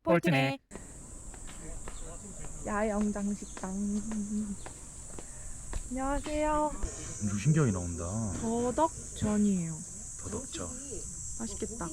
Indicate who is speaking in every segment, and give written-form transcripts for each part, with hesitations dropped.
Speaker 1: 볼트네.
Speaker 2: 야영장 식당. 안녕하세요.
Speaker 1: 유신경이 나온다.
Speaker 2: 더덕전이에요.
Speaker 1: 더덕죠.
Speaker 2: 맛있겠다.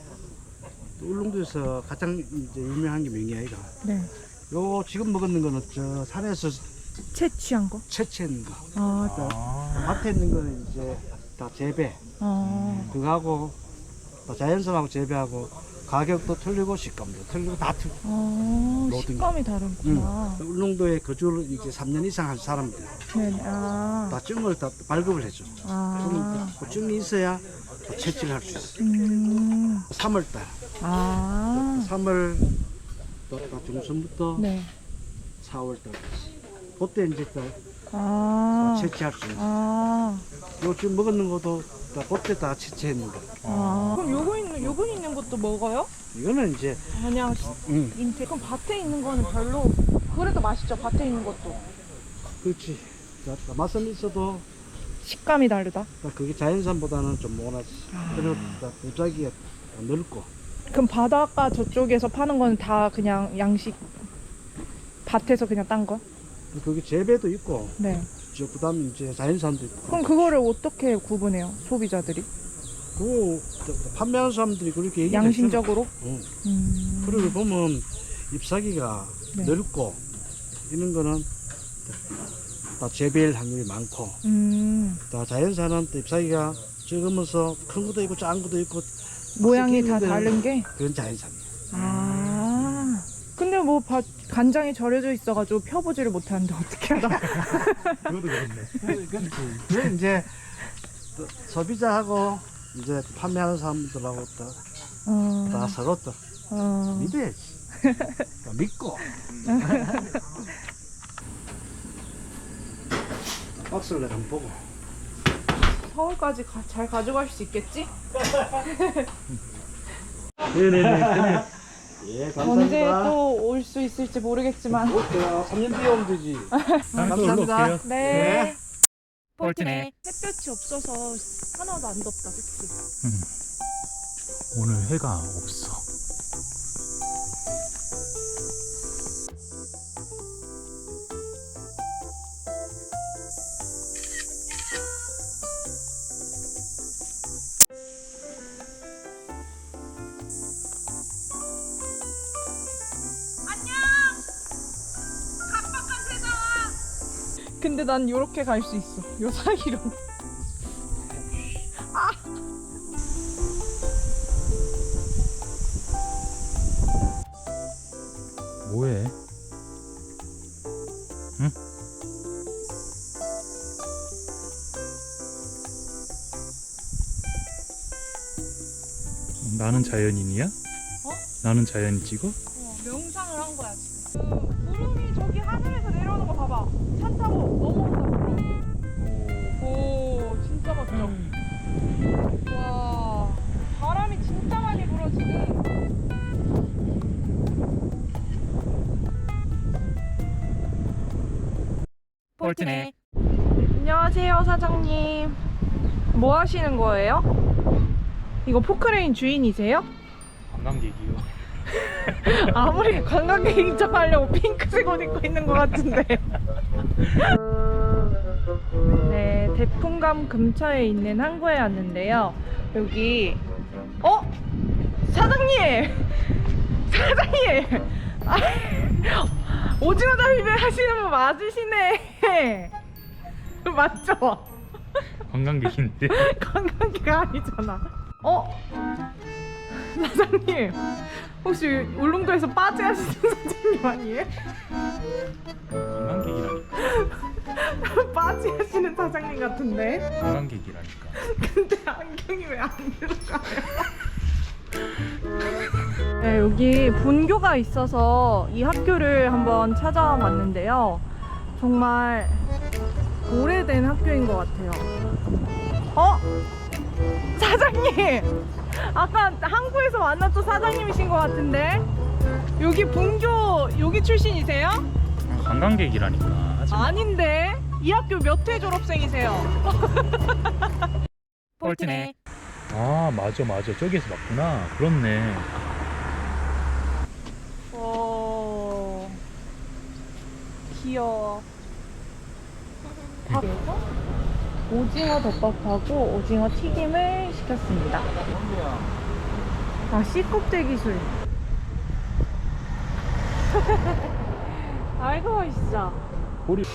Speaker 3: 울릉도에서 가장 이제 유명한 게 명이야이가.
Speaker 2: 네.
Speaker 3: 요 지금 먹는 거는 저 산에서
Speaker 2: 채취한 거?
Speaker 3: 채취한 거.
Speaker 2: 아,
Speaker 3: 밭에 있는 거는 이제 다 재배. 그거하고 다 자연산하고 재배하고 가격도 틀리고 식감도 틀리고 다 틀리고. 모든
Speaker 2: 식감이 다르구나.
Speaker 3: 울릉도에 거주를 이제 3년 이상 한 사람들
Speaker 2: 네. 아.
Speaker 3: 다 증을 다 발급을 해줘.
Speaker 2: 아.
Speaker 3: 그 증이 있어야 또 채취를 할 수 있어. 3월달.
Speaker 2: 아.
Speaker 3: 3월 중순부터
Speaker 2: 네.
Speaker 3: 4월달까지. 그때 이제 또
Speaker 2: 아.
Speaker 3: 채취할 수 있어.
Speaker 2: 아.
Speaker 3: 요 지금 먹는 것도 다 그때 다 채취했는 거.
Speaker 2: 아. 그럼 요거 있는 것도 먹어요?
Speaker 3: 이거는 이제
Speaker 2: 그냥 인테. 그럼 밭에 있는 거는 별로. 그래도 맛있죠. 밭에 있는 것도.
Speaker 3: 그렇지. 자, 맛은 있어도
Speaker 2: 식감이 다르다.
Speaker 3: 그게 자연산보다는 좀 모나지. 그리고 도자기가 넓고.
Speaker 2: 그럼 바닷가 저쪽에서 파는 거는 다 그냥 양식 밭에서 그냥 딴 거?
Speaker 3: 그게 재배도 있고.
Speaker 2: 네.
Speaker 3: 저 그다음 이제 자연산도 있고.
Speaker 2: 그럼 그거를 어떻게 구분해요? 소비자들이?
Speaker 3: 그 판매하는 사람들이 그렇게 얘기를
Speaker 2: 양심적으로?
Speaker 3: 했잖아. 그리고 보면 잎사귀가
Speaker 2: 네.
Speaker 3: 넓고 이런 거는 다 재배일 확률이 많고. 다 자연산은 또 잎사귀가 적으면서 큰 것도 있고 작은 것도 있고
Speaker 2: 모양이 다
Speaker 3: 데는
Speaker 2: 다른 게?
Speaker 3: 그건 자연산이에요.
Speaker 2: 아. 근데 뭐 간장이 절여져 있어가지고 펴보지를 못하는데 어떻게 알아?
Speaker 1: 그것도 그렇네.
Speaker 3: 그건 이제 또 소비자하고 이제 판매하는 사람들하고 다 서로 또 믿어야지. 또 믿고. 박스를 내가 한번 보고.
Speaker 2: 서울까지 잘 가져갈 수 있겠지?
Speaker 3: 네네네. 예,
Speaker 2: 언제
Speaker 3: 감사합니다.
Speaker 2: 또 올 수 있을지 모르겠지만.
Speaker 3: 3년 뒤에 오면 되지.
Speaker 1: 감사합니다.
Speaker 2: 네.
Speaker 1: 볼트네.
Speaker 2: 햇볕이 없어서 하나도 안 덥다, 그치?
Speaker 1: 오늘 해가 없어.
Speaker 2: 근데 난 요렇게 갈 수 있어. 요 사이로.
Speaker 1: 뭐해? 응? 나는 자연인이야? 나는 자연인 찍어?
Speaker 2: 명상을 한 거야, 지금. 구름이 저기 하늘에서 내려오는 거 봐봐. 차 타고 넘어온다, 구름. 오, 진짜 멋져. 와, 바람이 진짜 많이 불어, 지금.
Speaker 1: 볼트네.
Speaker 2: 안녕하세요, 사장님. 뭐 하시는 거예요? 이거 포크레인 주인이세요?
Speaker 1: 관광객이요.
Speaker 2: 아무리 관광객 인정하려고 핑크색 옷 입고 있는 것 같은데. 네, 대풍감 근처에 있는 항구에 왔는데요. 여기 사장님! 사장님! 오징어 잡이배 하시는 분 맞으시네. 맞죠?
Speaker 1: 관광객인데.
Speaker 2: 관광객 아니잖아. 사장님, 혹시 울릉도에서 빠지 하시는 사장님 아니에요?
Speaker 1: 관광객이라니까.
Speaker 2: 빠지 하시는 사장님 같은데?
Speaker 1: 관광객이라니까.
Speaker 2: 근데 안경이 왜 안 들어가요? 네, 여기 분교가 있어서 이 학교를 한번 찾아와 봤는데요. 정말 오래된 학교인 것 같아요. 사장님! 아까 항구에서 만났던 사장님이신 것 같은데? 여기 분교 여기 출신이세요?
Speaker 1: 관광객이라니까.
Speaker 2: 아닌데? 이 학교 몇 회 졸업생이세요?
Speaker 1: 볼트네. 아, 맞아. 저기에서 봤구나. 그렇네.
Speaker 2: 귀여워. 밥에서 오징어 덮밥하고 오징어 튀김을 시켰습니다. 아, 씨껍데기 기술. 아이고 맛있어.
Speaker 1: 보리.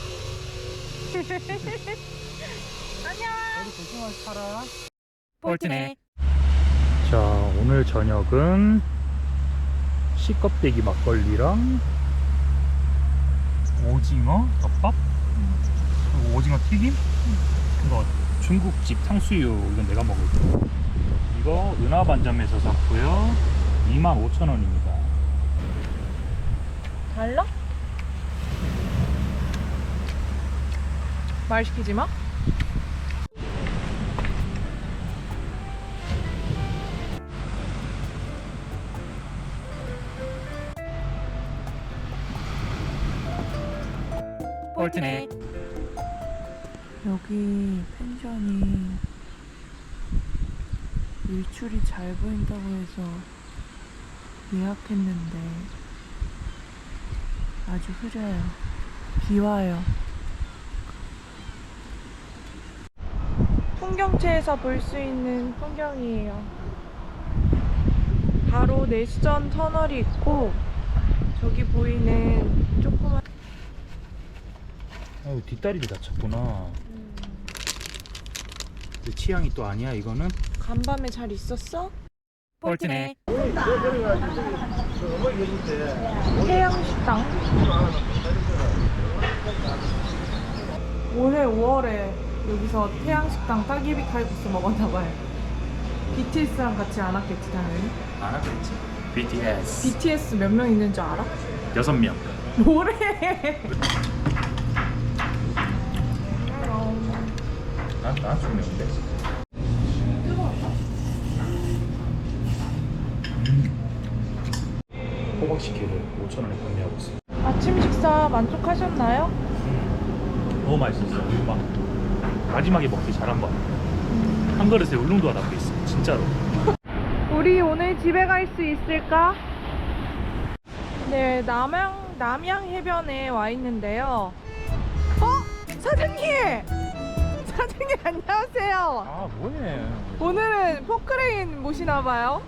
Speaker 2: 안녕.
Speaker 3: 조심하게 살아.
Speaker 1: 폴트네. 자, 오늘 저녁은 씨껍데기 막걸리랑 오징어 덮밥, 그리고 오징어 튀김, 이거 중국집 탕수육, 이건 내가 먹을 거. 이거 은하반점에서 샀고요. 25,000원입니다.
Speaker 2: 달라? 말 시키지 마.
Speaker 1: 폴트네.
Speaker 2: 여기 펜션이 일출이 잘 보인다고 해서 예약했는데 아주 흐려요. 비 와요. 풍경채에서 볼 수 있는 풍경이에요. 바로 내수전 터널이 있고 저기 보이는 조그만
Speaker 1: 아유, 뒷다리를 다쳤구나. 내 취향이 또 아니야 이거는.
Speaker 2: 간밤에 잘 있었어?
Speaker 1: 폴트네.
Speaker 2: 태양식당. 올해 5월에 여기서 태양식당 따기비 칼국수 먹었나봐요. BTS랑 같이 안 왔겠지 당연히.
Speaker 1: 안 하겠지. BTS.
Speaker 2: BTS 몇 명 있는 줄 알아?
Speaker 1: 6명.
Speaker 2: 뭐래?
Speaker 1: 난 좋네인데. 호박식혜를 5,000원에 판매하고 있어요.
Speaker 2: 아침 식사 만족하셨나요?
Speaker 1: 너무 맛있었어요. 막 마지막에 먹기 잘한 거. 한 그릇에 울릉도가 담겨 있어. 진짜로.
Speaker 2: 우리 오늘 집에 갈 수 있을까? 네, 남양 해변에 와 있는데요. 사장님! 사장님 안녕하세요.
Speaker 1: 아 뭐해?
Speaker 2: 오늘은 포크레인 모시나봐요.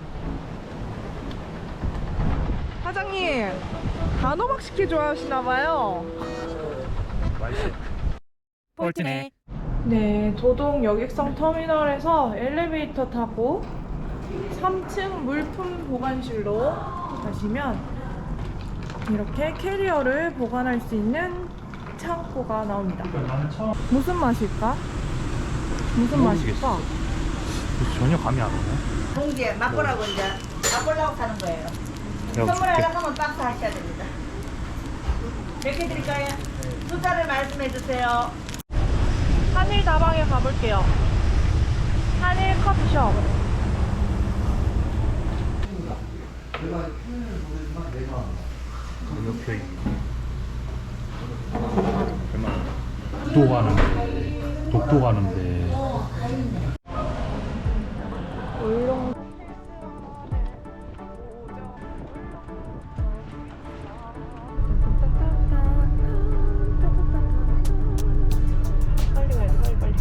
Speaker 2: 사장님 단호박 식혜 좋아하시나봐요.
Speaker 1: 맛있어. 폴트네.
Speaker 2: 네, 도동 여객선 터미널에서 엘리베이터 타고 3층 물품 보관실로 가시면 이렇게 캐리어를 보관할 수 있는 창고가 나옵니다.
Speaker 1: 나는 처음.
Speaker 2: 무슨 맛일까? 무슨 맛일까?
Speaker 1: 전혀 감이 안 오네.
Speaker 4: 봉지에 맛보라고 이제 맛보려고 사는 거예요. 선물하려고 하면 박스 하셔야 됩니다. 몇 개 드릴까요? 숫자를 말씀해 주세요.
Speaker 2: 한일 다방에 가볼게요. 한일 커피숍.
Speaker 1: 가격표 있네. 얼마? 독도 가는데.
Speaker 2: 울릉. 빨리 가야 돼, 빨리.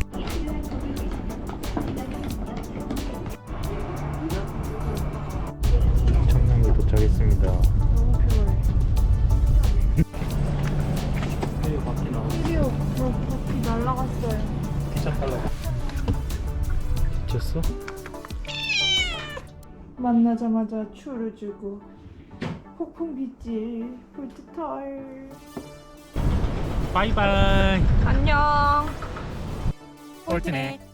Speaker 1: 청량리 도착했습니다.
Speaker 2: 너무 피곤해.
Speaker 1: 헤이 바퀴 나와.
Speaker 2: 드디어 바퀴 날라갔어요.
Speaker 1: 기차 탈라고. 미쳤어?
Speaker 2: 만나자마자 추를 주고 폭풍 빗질 폴트털.
Speaker 1: 바이바이.
Speaker 2: 안녕.
Speaker 1: 폴트네.